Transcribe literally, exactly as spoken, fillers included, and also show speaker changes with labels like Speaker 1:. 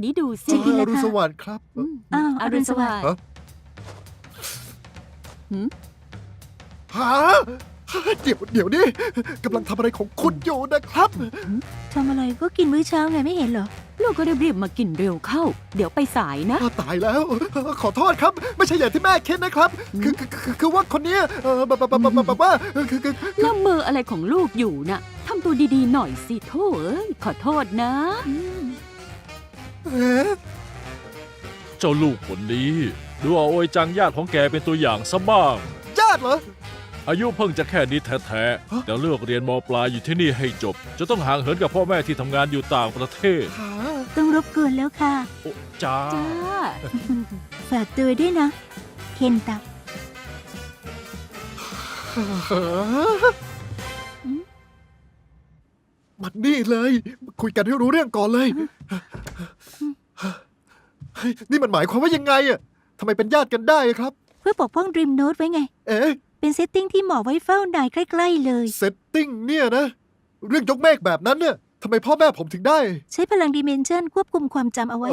Speaker 1: นี้ดูสิ
Speaker 2: จริงๆ
Speaker 3: อรุณสวัสดิ์ครับ
Speaker 1: อืม
Speaker 2: อ้าว
Speaker 1: อรุณสวัสดิ์
Speaker 3: ฮะ
Speaker 1: หืม
Speaker 3: หาเดี๋ยวเดี๋ยวนี้กำลังทำอะไรของคุณอยู่นะครับ
Speaker 2: ทำอะไรก็กินมื้อเช้าไงไม่เห็นเหรอ
Speaker 1: ลูกก็รีบๆมากินเร็วเข้า เดี๋ยวไปสายนะ
Speaker 3: อ้าวตายแล้ว ขอโทษครับ ไม่ใช่อย่างที่แม่คิดนะครับ คือคือคือคือว่าคนเนี้ยเออแบบแบบแบบแบบแบบว่าคือคือ
Speaker 1: แล้วมืออะไรของลูกอยู่น่ะทำตัวดีๆหน่อยสิโถ่เอ้ยขอโทษนะ
Speaker 3: เอ๊ะ
Speaker 4: เจ้าลูกคนนี้ ดูเอาโอยจังญาติของแกเป็นตัวอย่างซะบ้าง
Speaker 3: ญาติเหรอ
Speaker 4: อายุเพิ่งจะแค่นี้แท้
Speaker 3: ฮะ
Speaker 4: ๆแต่เลือกเรียนมปลายอยู่ที่นี่ให้จบ จะต้องห่างเหินกับพ่อแม่ที่ทำงานอยู่ต่างประเทศ
Speaker 3: หา
Speaker 2: ต้องรบกวนแล้วค่ะ
Speaker 4: โอ้จ้า
Speaker 1: จ้า
Speaker 2: ฝากตัวด้วยนะ เคนตะ
Speaker 3: มันนี่เลย คุยกันให้รู้เรื่องก่อนเลยเฮ้ยนี่มันหมายความว่ายังไงอะทำไมเป็นญาติกันได้ครับ
Speaker 2: เพื่อปกป้องดรีมโน e ไว้ไง
Speaker 3: เอ๊ะ
Speaker 2: เป็นเซตติ้งที่เหมาะไว้เฝ้านายใกล้ๆเลย
Speaker 3: เซตติ้งเนี่ยนะ เรื่องยกเมฆแบบนั้นเนี่ยทำไมพ่อแม่ผมถึงได้
Speaker 2: ใช้พลังดิเมนชันควบคุมความจำเอาไว้